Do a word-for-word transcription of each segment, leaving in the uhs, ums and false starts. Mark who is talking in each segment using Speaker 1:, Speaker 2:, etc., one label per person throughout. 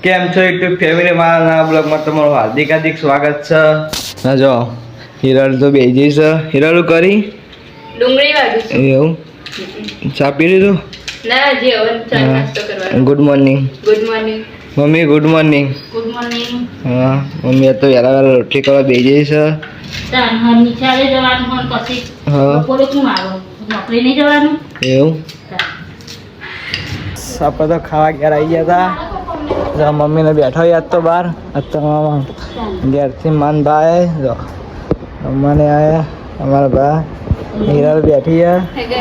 Speaker 1: કેમ છો YouTube family મારા બ્લોગમાં તમારું હાર્દિક હાર્દિક સ્વાગત છે. ના જો હિરલ તો બેજી છે. હિરલ કરી
Speaker 2: ડુંગળી વાળું છે
Speaker 1: એવું ચા પી લીધું?
Speaker 2: ના જે હવે ચા નાસ્તો કરવાનો.
Speaker 1: Good morning.
Speaker 2: Good morning
Speaker 1: mummy good morning.
Speaker 2: Good morning.
Speaker 1: હા મમ્મી તો વહેલા વહેલા રોટલી કરવા બેજી છે.
Speaker 2: તાન હર નિચાલે જવાનું હોન પછી
Speaker 1: હા
Speaker 2: બપોરે શું આવો નોકરી નહીં જવાનું
Speaker 1: એવું આપણે તો ખાવા ઘેર આવી ગયા હતા. મમ્મીને બેઠો યાદ તો બહાર અત્યારે ઘેરથી માન ભાઈ જો મને આયા અમારા બા હીરા બેઠી છે.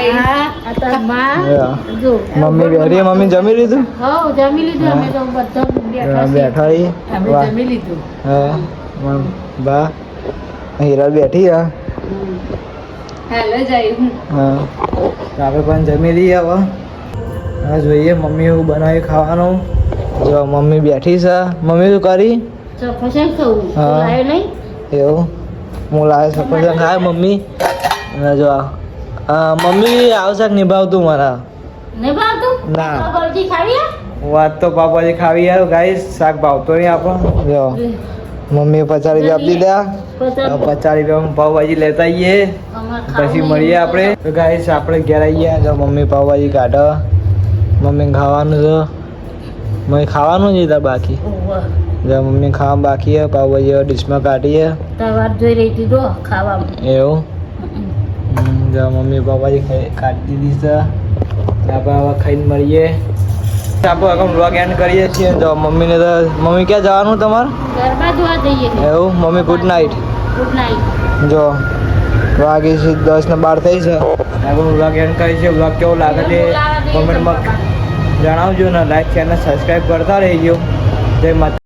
Speaker 1: મમ્મી બેઠી મમ્મી જમી લીધું?
Speaker 2: હા જમી લીધું અમે તો બધા બેઠા
Speaker 1: બેઠા
Speaker 2: છીએ અમે જમી લીધું.
Speaker 1: હા બા હીરા બેઠી છે.
Speaker 2: હાલો જાય હું
Speaker 1: હા આપણે પણ જમી લઈએ હવે. હા જોઈએ મમ્મી એવું બનાવી ખાવાનું. જો મમ્મી બેઠી છે. મમ્મી શું કરી?
Speaker 2: સફરજન ખાવું લાવ્યો નહીં
Speaker 1: એવું હું લાવે સફરજન ખાય મમ્મી. અને જો આ મમ્મી આવશે નિભાવતું મારા
Speaker 2: નહીં ભાવતું
Speaker 1: ના
Speaker 2: પાપડી ખાવી
Speaker 1: વાત તો પાપાજી ખાવી આવ્યો ગાઈસ શાક ભાવતો નહીં આપણો. જો મમ્મીએ પચાસ રૂપિયા આપી દીધા. પચાસ રૂપિયામાં પાવભાજી લેતા આવીએ પછી મળીએ આપણે. તો ગાઈસ આપણે ઘેર આવીએ. જો મમ્મી પાવભાજી કાઢો. મમ્મી ખાવાનું છે. મમ્મી ખાવાનું જ હતા બાકી. જો મમ્મી ખાવા બાકી છે. પાવભાજી ડીશમાં કાઢીએ.
Speaker 2: તવાર જોઈ રહી હતી તો ખાવામાં
Speaker 1: એવું જો મમ્મી પાવભાજી કાઢી દીધી છે. આપણે હવે ખાઈને મળીએ. આપણે હવે વ્લોગ એન્ડ કરીએ છીએ. જો મમ્મીને તો મમ્મી ક્યાં જવાનું તમારે?
Speaker 2: ગરબા જોવા જઈએ
Speaker 1: એવું mummy good night.
Speaker 2: Good night.
Speaker 1: જો વાગી છે દસ ને બાર થઈ છે. આપણે વ્લોગ એન્ડ કરીએ છીએ. વ્લોગ કેવો લાગે છે કોમેન્ટમાં જણાવજો ને લાઈક ચેનલ સબસ્ક્રાઈબ કરતા રહેજો. જય માતા.